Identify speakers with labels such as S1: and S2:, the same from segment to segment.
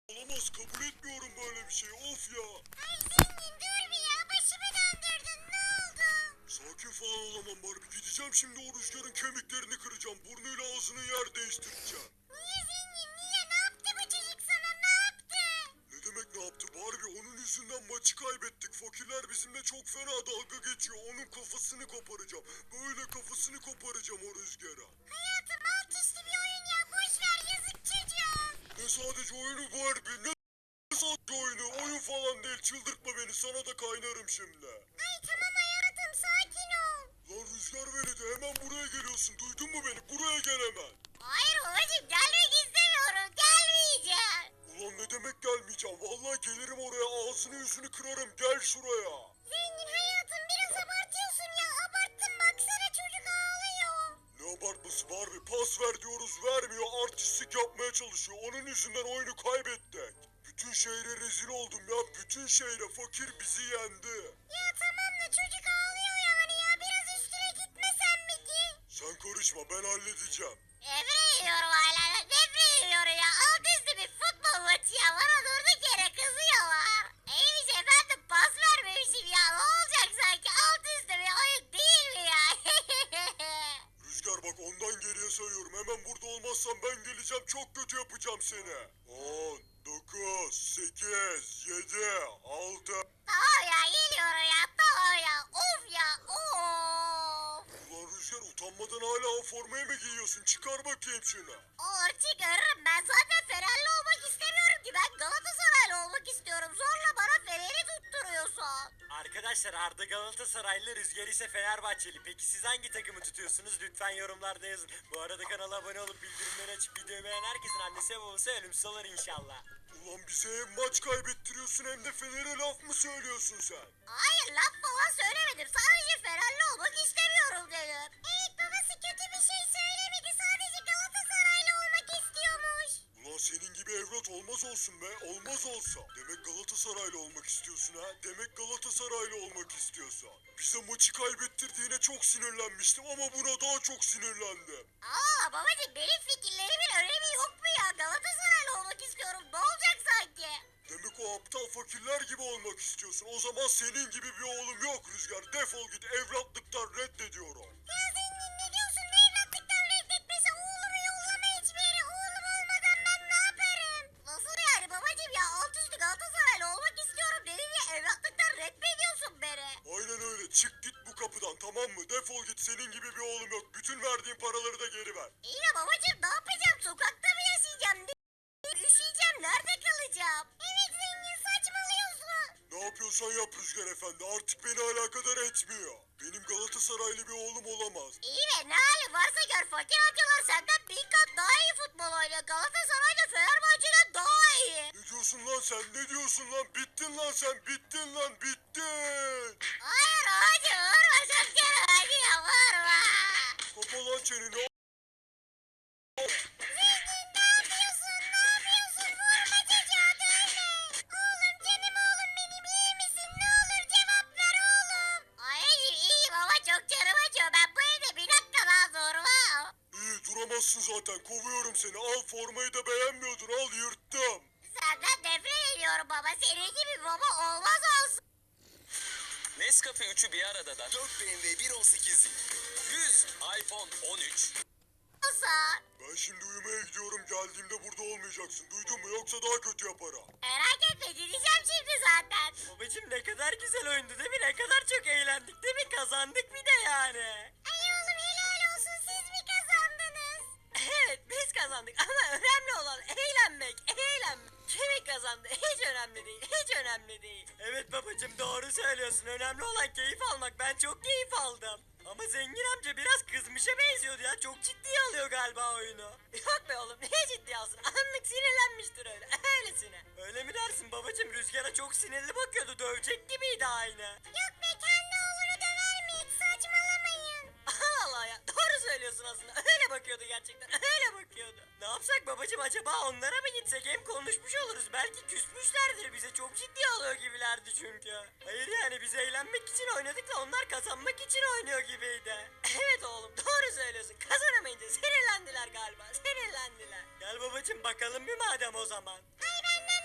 S1: Olamaz, kabul etmiyorum böyle bir şey, of ya.
S2: Ay zengin dur bir ya, başımı döndürdün, ne oldu?
S1: Sakin falan olamam Barbie, gideceğim şimdi o Rüzgar'ın kemiklerini kıracağım. Burnuyla ağzını yer değiştireceğim.
S2: Niye zengin, niye, ne yaptı bu çocuk sana, ne yaptı?
S1: Ne demek ne yaptı Barbie, onun yüzünden maçı kaybettik. Fakirler bizimle çok fena dalga geçiyor. Onun kafasını koparacağım. Böyle kafasını koparacağım o Rüzgar'a.
S2: Hayatım alt üstü bir oyun ya, boş ver, yazık çocuğa.
S1: Ne sadece oyunu Barbie, ne sadece oyunu, oyun falan değil, çıldırtma beni, sana da kaynarım şimdi.
S2: Ay tamam hayatım, sakin ol.
S1: Lan Rüzgar veledi, hemen buraya geliyorsun, duydun mu beni, buraya gel hemen.
S2: Hayır babacığım, gelmek istemiyorum, gelmeyeceğim.
S1: Ulan ne demek gelmeyeceğim, vallahi gelirim oraya, ağzını yüzünü kırarım, gel şuraya.
S2: Zengin hayatım, biraz abartıyorsun ya, abarttın, baksana çocuk ağlıyor.
S1: Ne abartması Barbie, pas ver diyoruz vermiyor, artistlik yapmaya çalışıyor, onun yüzünden oyunu kaybettik. Bütün şehre rezil oldum ya, bütün şehre, fakir bizi yendi.
S2: Ya tamam da çocuk ağlıyor yani ya, biraz üstüne gitmesen mi ki?
S1: Sen karışma, ben halledeceğim.
S2: Nefret ediyorum hala, nefret ediyorum ya, alt üstü bir futbol maçı ya, bana durduk yere kızıyorlar. İyiymiş efendim, pas vermemişim ya, ne olacak sanki, alt üstü bir oyun değil mi ya?
S1: Rüzgar bak, ondan geriye sayıyorum, hemen burada olmazsan ben geleceğim, çok kötü yapacağım seni. 10, 9, 8, 7, 6.
S2: Tamam ya, geliyorum ya, tamam ya, of ya, of.
S1: Ulan Rüzgar, utanmadan hala o formayı mı giyiyorsun? Çıkar bakayım şunu.
S2: Olur çıkarırım, ben zaten Fenerli olmak istemiyorum ki, ben Galatasaraylı olmak istiyorum, zorla bana Fener'i tutturuyorsun.
S3: Arkadaşlar Arda Galatasaraylı, Rüzgar ise Fenerbahçeli. Peki siz hangi takımı tutuyorsunuz? Lütfen yorumlarda yazın. Bu arada kanala abone olup bildirimleri açıp videoyu beğenen herkesin annesi ve babası ölümsüz olur inşallah.
S1: Ulan bize hem maç kaybettiriyorsun hem de Fener'e laf mı söylüyorsun sen?
S2: Hayır, laf falan söylemedim, sadece Fenerli olmak istemiyorum dedim. Evet, babası kötü bir şey söylemedi, sadece Galatasaraylı olmak istiyormuş.
S1: Ulan senin gibi evlat olmaz olsun be, olmaz olsa. Demek Galatasaraylı olmak istiyorsun ha? Demek Galatasaraylı olmak istiyorsan. Bize maçı kaybettirdiğine çok sinirlenmiştim ama buna daha çok sinirlendim.
S2: Aa babacığım, benim fikirlerimin önemi yok mu ya, Galatasaraylı olmak istiyorum, ne olacak sanki?
S1: Demek o aptal fakirler gibi olmak istiyorsun. O zaman senin gibi bir oğlum yok Rüzgar. Defol git, evlatlıktan reddediyorum.
S2: Ya zengin, ne diyorsun, ne evlatlıktan reddetmesi, oğlumu yollama hiçbir yere, oğlum olmadan ben ne yaparım? Nasıl yani babacığım ya, alt üstü Galatasaraylı olmak istiyorum dedin ya, evlatlıktan reddediyorsun beni.
S1: Aynen öyle. Çık git bu kapıdan, tamam mı? Defol git, senin gibi bir oğlum yok. Bütün verdiğin paraları da geri ver.
S2: İyi de babacığım, ne yapacağım, sokakta mı yaşayacağım, üşüyeceğim, nerede kalacağım? Evet zengin, saçmalıyorsun.
S1: Ne yapıyorsan yap Rüzgar Efendi. Artık beni alakadar etmiyor. Benim Galatasaraylı bir oğlum olamaz.
S2: İyi be, ne hali varsa gör, fakir amcalar senden bin kat daha iyi futbol oynuyor, Galatasaray da Fenerbahçe'den daha iyi.
S1: Ne diyorsun lan sen? Ne diyorsun lan? Bittin lan sen. Bittin lan. Bittin.
S2: Hayır hacı, vurma, çok kere hacı ya, vurma.
S1: Kapa lan çeneni.
S2: Zengin ne yapıyorsun, ne yapıyorsun, vurma çocuğa, dövme. Oğlum, canım oğlum benim, iyi misin, ne olur cevap ver oğlum. Hayır iyiyim ama çok canım acıyor, ben bu evde bir dakika daha durmam.
S1: İyi, duramazsın zaten. Kovuyorum seni. Al, formayı da beğenmiyordun. Al, yırttım.
S2: Senden nefret ediyorum baba, senin gibi baba olmaz olsun.
S3: Nescafe 3'ü bir arada da 4 BMW 1.18 100 iPhone 13.
S1: Ben şimdi uyumaya gidiyorum. Geldiğimde burada olmayacaksın. Duydun mu? Yoksa daha kötü yaparım.
S2: Merak etme, gideceğim şimdi zaten.
S3: Babacım ne kadar güzel oyundu değil mi? Ne kadar çok eğlendik değil mi? Kazandık bir de yani.
S2: Ay oğlum, helal olsun, siz mi kazandınız?
S3: Evet biz kazandık ama önemli olan eğlenmek, eğlenmek. Kimin kazandı hiç önemli değil, hiç önemli değil. Evet babacım doğru söylüyorsun. Önemli olan keyif almak. Ben çok keyif aldım. Ama zengin amca biraz kızmışa benziyordu ya. Çok ciddiye alıyor galiba oyunu. Yok be oğlum ne ciddiye alsın. Anlık sinirlenmiştir öyle. Öylesine. Öyle mi dersin babacım? Rüzgara çok sinirli bakıyordu. Dövecek gibiydi aynı.
S2: Yok be, kendi oğlunu döver mi hiç, saçmalamayın.
S3: Allah Allah ya. Doğru söylüyorsun aslında. Öyle bakıyordu gerçekten. Öyle bakıyordu. Ne yapsak babacım acaba onlara mı gitsek? Hem konuşmuş oluruz. Belki küsmüşlerdir bize. Çok ciddi alıyor gibilerdi çünkü. Hayır yani biz eğlenmek için oynadık da onlar kazanmak için oynuyor gibiydi. Evet oğlum doğru söylüyorsun. Kazanamayınca sinirlendiler galiba. Sinirlendiler. Gel babacım bakalım bir madem o zaman.
S2: Ay benden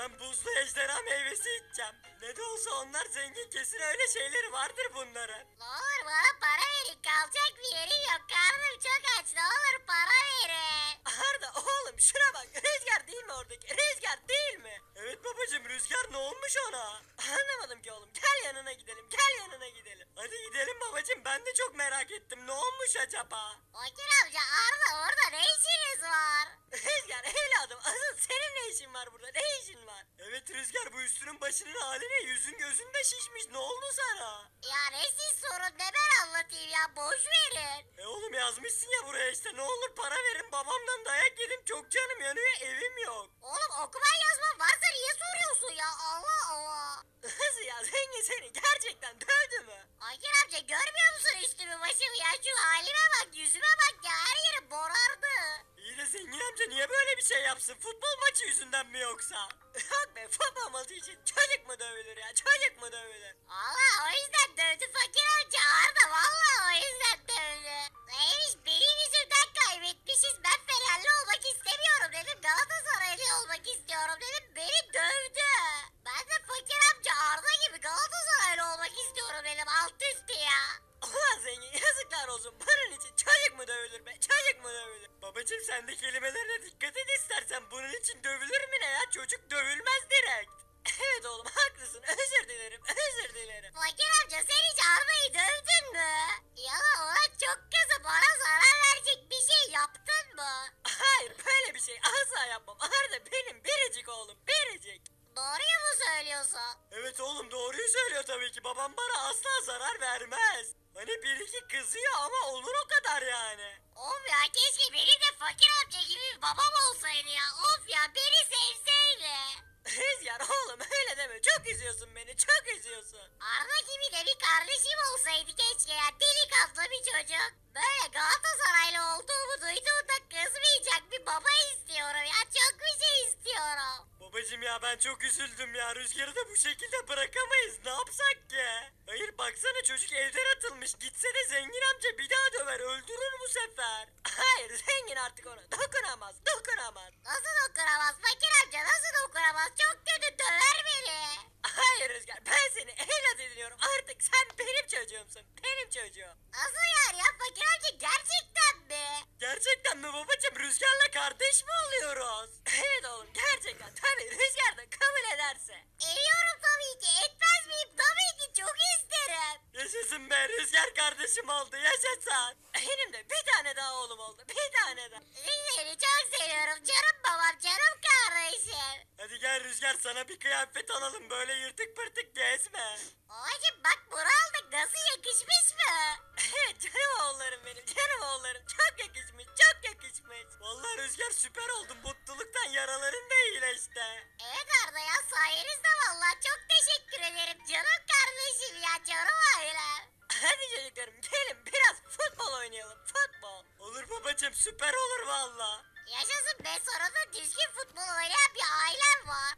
S3: Ben buzlu ejderha meyvesi içeceğim. Ne de olsa onlar zengin, kesin öyle şeyleri vardır bunların.
S2: Ne olur bana para verin. Kalacak bir yerim yok. Karnım çok aç. Ne olur para verin.
S3: Arda oğlum şuna bak, Rüzgar değil mi oradaki? Rüzgar değil mi? Evet babacım, Rüzgar ne olmuş ona? Anlamadım ki oğlum, gel yanına gidelim, gel yanına gidelim. Hadi gidelim babacım, ben de çok merak ettim, ne olmuş acaba?
S2: Fakir amca Arda orada ne işiniz var?
S3: Rüzgar evladım, asıl senin ne işin var burada, ne işin var? Evet Rüzgar, bu üstünün başının haline, yüzün gözün de şişmiş, ne oldu sana?
S2: Ya ne siz sorun ne ben anlatayım ya boş verin.
S3: Oğlum yazmışsın ya buraya işte, ne olur para verin, babamdan dayak yedim, çok canım yanıyor, evim yok.
S2: Oğlum okuma yazma varsa niye soruyorsun ya Allah Allah.
S3: Nasıl ya, zengin seni gerçekten dövdü mü?
S2: Fakir amca görmüyor musun üstümü başımı ya şu halime bak yüzüme bak ya her yerim morardı.
S3: İyi de zengin amca niye böyle bir şey yapsın? Futbol maçı yüzünden mi yoksa? Yok be, futbol maçı için çocuk mu dövülür ya? Çocuk mu dövülür?
S2: Allah o yüzden dövdü fakir amca Arda valla o yüzden dövdü. Neymiş benim yüzümden kaybetmişiz ben Fenerli olmak istemiyorum dedim Galatasaraylı olmak istiyorum dedim beni dövdü. Ben de fakir amca Arda gibi Galatasaraylı olmak istiyorum dedim alt üstü ya.
S3: Ulan zengin, yazıklar olsun. Bunun için çocuk mu dövülür be? Çocuk mu dövülür? Babacım sen de kelimelerine dikkat et istersen. Bunun için dövülür mü ne ya? Çocuk dövülmez direkt. Evet oğlum haklısın. Özür dilerim. Özür dilerim.
S2: Fakir amca sen hiç Arda'yı dövdün mü? Ya da ona çok kızı bana zarar verecek bir şey yaptın mı?
S3: Hayır, böyle bir şey asla yapmam. Arda benim biricik oğlum. Biricik.
S2: Doğruyu mu söylüyorsun?
S3: Evet oğlum, doğruyu söylüyor tabii ki. Babam bana asla zarar vermez. Hani bir iki kızıyor ama olur o kadar yani.
S2: Of ya keşke benim de fakir amca gibi bir babam olsaydı ya. Of ya beni sevseydi.
S3: Rüzgar oğlum öyle deme. Çok üzüyorsun beni. Çok üzüyorsun.
S2: Arda gibi de bir kardeşim olsaydı keşke ya. Delikanlı bir çocuk. Böyle Galatasaraylı olduğumu duyduğunda kızmayacak bir baba istiyorum ya. Çok bir şey istiyorum.
S3: Babacım ya, ben çok üzüldüm ya. Rüzgarı da bu şekilde bırakamayız. Ne yapsak ki? Hayır baksana, çocuk evden atılmış. Gitse de zengin amca bir daha döver. Öldürür bu sefer. Hayır, zengin artık ona dokunamaz. Dokunamaz.
S2: Nasıl dokunamaz fakir amca nasıl dokunamaz? Çok kötü döver beni.
S3: Hayır Rüzgar, ben seni evlat ediniyorum. Artık sen benim çocuğumsun. Benim çocuğum.
S2: Nasıl yani ya fakir amca gerçekten mi?
S3: Gerçekten mi babacım? Rüzgar'la kardeş mi oluyoruz? Evet oğlum, gerçekten. Tabii Rüzgar da kabul ederse.
S2: Ediyorum tabii ki etmez miyim? Tabii ki çok isterim.
S3: Yaşasın be, Rüzgar kardeşim oldu. Yaşasın. Benim de bir tane daha oğlum oldu. Bir tane daha.
S2: Seni çok seviyorum canım babam canım kardeşim.
S3: Hadi gel Rüzgar, sana bir kıyafet alalım. Böyle yırtık pırtık gezme.
S2: Babacım bak bunu aldık nasıl yakışmış mı?
S3: Evet canım oğullarım benim. Canım oğullarım. Çok yakışmış. Çok yakışmış. Vallahi Rüzgar süper oldun. Mutluluktan yaraların da iyileşti.
S2: Evet Arda ya sayenizde vallahi çok teşekkür ederim canım kardeşim ya canım ailem.
S3: Hadi çocuklarım gelin biraz futbol oynayalım. Futbol. Olur babacım, süper olur valla.
S2: Yaşasın be sonunda düzgün futbol oynayan bir ailem var.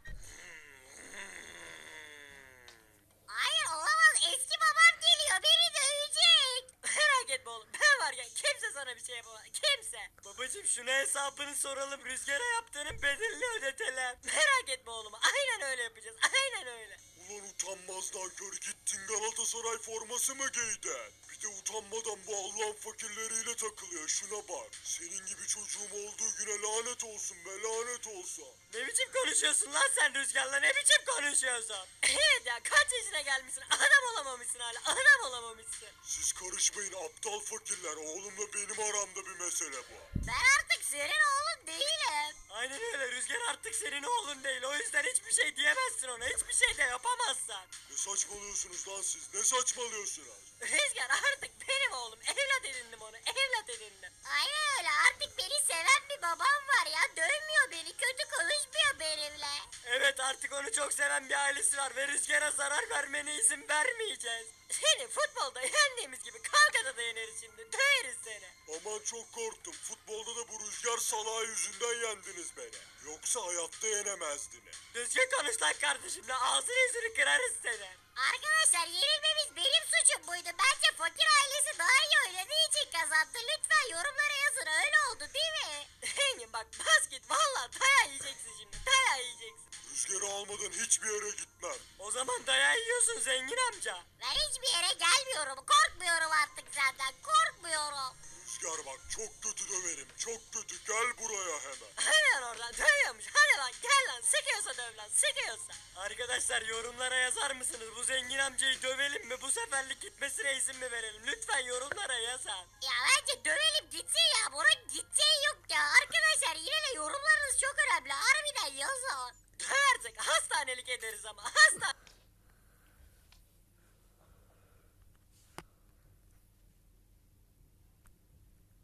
S2: Hayır olamaz eski babam geliyor beni dövecek.
S3: Merak etme oğlum, ben varken kimse sana bir şey yapamaz. Kimse. Babacım şuna hesabını soralım. Rüzgara yaptığının bedelini ödetelim. Merak etme oğlum, aynen öyle yapacağız. Aynen öyle.
S1: Ulan utanmazdan kör gittin Galatasaray forması mı giydin? Bir de utanmadan bu Allah'ın fakirleriyle takılıyor şuna bak. Senin gibi çocuğum olduğu güne lanet olsun be lanet olsun.
S3: Ne biçim konuşuyorsun lan sen Rüzgar'la, ne biçim konuşuyorsun? Evet ya, kaç yaşına gelmişsin, adam olamamışsın hala, adam olamamışsın.
S1: Siz karışmayın aptal fakirler oğlumla benim aramda bir mesele bu.
S2: Ben artık senin oğlun değilim.
S3: Aynen öyle, Rüzgar artık senin oğlun değil, o yüzden hiçbir şey diyemezsin ona, hiçbir şey de yapamazsın.
S1: Ne saçmalıyorsunuz lan siz ne saçmalıyorsunuz?
S3: Rüzgar artık benim oğlum, evlat edindim onu, evlat edindim.
S2: Aynen öyle artık beni seven bir babam var ya dövmüyor beni kötü konuşmuyor benimle.
S3: Evet, artık onu çok seven bir ailesi var ve Rüzgar'a zarar vermene izin vermeyeceğiz. Seni futbolda yendiğimiz gibi kavgada da yeneriz şimdi, döveriz seni.
S1: Aman çok korktum futbolda da bu rüzgar salağı yüzünden yendiniz beni. Yoksa hayatta yenemezdiniz.
S3: Düzgün konuş lan kardeşimle, ağzını yüzünü kırarız seni.
S2: Arkadaşlar yenilmemiz benim suçum buydu. Bence fakir ailesi daha iyi oynadığı için kazandı. Lütfen yorumlara yazın öyle oldu değil mi?
S3: Engin bak, bas git, valla dayağı yiyeceksin şimdi, dayağı yiyeceksin.
S1: Rüzgarı hiçbir yere gitmem.
S3: O zaman dayağı yiyorsun zengin amca.
S2: Ben hiçbir yere gelmiyorum. Korkmuyorum artık senden. Korkmuyorum.
S1: Rüzgar bak çok kötü döverim. Çok kötü. Gel buraya hemen.
S3: Hemen oradan dövüyormuş. Hadi lan gel lan sıkıyorsa döv lan sıkıyorsa. Arkadaşlar yorumlara yazar mısınız? Bu zengin amcayı dövelim mi? Bu seferlik gitmesine izin mi verelim? Lütfen yorumlara yazın.
S2: Ya bence dövelim gitsin ya. Bunun gideceği yok ya. Arkadaşlar yine de yorumlarınız çok önemli. Harbiden yazın.
S3: Döversek hastanelik ederiz ama hasta.